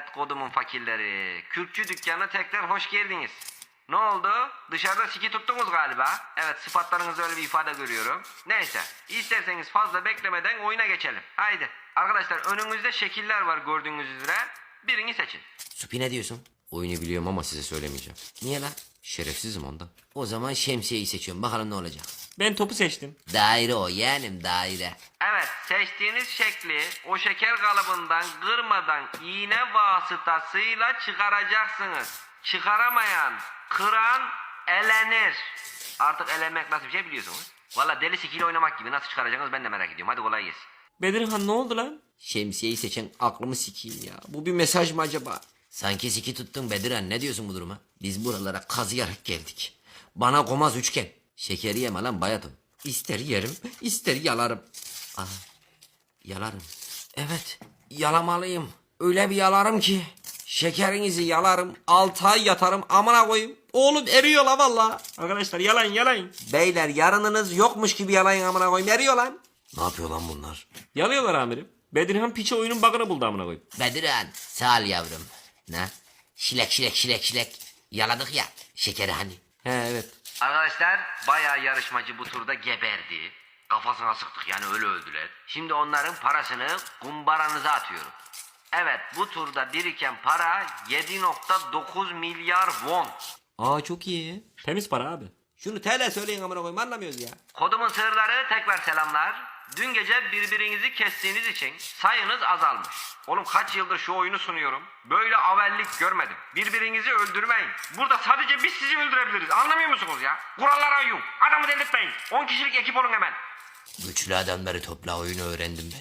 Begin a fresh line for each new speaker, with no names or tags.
Evet kodumun fakirleri. Kürkçü dükkanına tekrar hoş geldiniz. Ne oldu? Dışarıda siki tuttunuz galiba. Evet sıfatlarınızda öyle bir ifade görüyorum. Neyse isterseniz fazla beklemeden oyuna geçelim. Haydi. Arkadaşlar önünüzde şekiller var gördüğünüz üzere. Birini seçin.
Supi ne diyorsun? Oyunu biliyorum ama size söylemeyeceğim. Niye lan? Şerefsizim ondan. O zaman şemsiyeyi seçiyorum. Bakalım ne olacak.
Ben topu seçtim.
Daire o yeğenim daire.
Evet seçtiğiniz şekli o şeker kalıbından kırmadan iğne vasıtasıyla çıkaracaksınız. Çıkaramayan, kıran elenir. Artık elenmek nasıl bir şey biliyorsunuz. Valla deli sikiyle oynamak gibi nasıl çıkaracaksınız ben de merak ediyorum. Hadi kolay gelsin.
Bedirhan ne oldu lan?
Şemsiyeyi seçen aklımı sikeyim ya. Bu bir mesaj mı acaba? Sanki siki tuttun Bediran. Ne diyorsun bu duruma? Biz buralara kazıyarak geldik. Bana komaz üçgen. Şekeri yeme lan bayatım. İster yerim, ister yalarım. Aha, yalarım. Evet, yalamalıyım. Öyle bir yalarım ki. Şekerinizi yalarım, 6 ay yatarım amına koyayım. Oğlum eriyor la valla.
Arkadaşlar yalan.
Beyler yarınınız yokmuş gibi yalayın amına koyayım, eriyor lan. Ne yapıyor lan bunlar?
Yalıyorlar amirim. Bedirhan piçe oyunun bug'ını buldu amına koyayım.
Bediran sağ ol yavrum. Ne? Şilek. Yaladık ya. Şekeri hani.
He evet.
Arkadaşlar bayağı yarışmacı bu turda geberdi. Kafasına sıktık yani öyle öldüler. Şimdi onların parasını kumbaranıza atıyorum. Evet bu turda biriken para 7,9 milyar won.
Aa çok iyi.
Temiz para abi.
Şunu TL söyleyin amına koyayım anlamıyoruz ya.
Kodumun sığırları tekrar selamlar. Dün gece birbirinizi kestiğiniz için sayınız azalmış. Oğlum kaç yıldır şu oyunu sunuyorum. Böyle avellik görmedim. Birbirinizi öldürmeyin. Burada sadece biz sizi öldürebiliriz. Anlamıyor musunuz ya? Kurallara uyun. Adamı delirtmeyin. 10 kişilik ekip olun hemen.
Güçlü adamları topla oyunu öğrendim ben.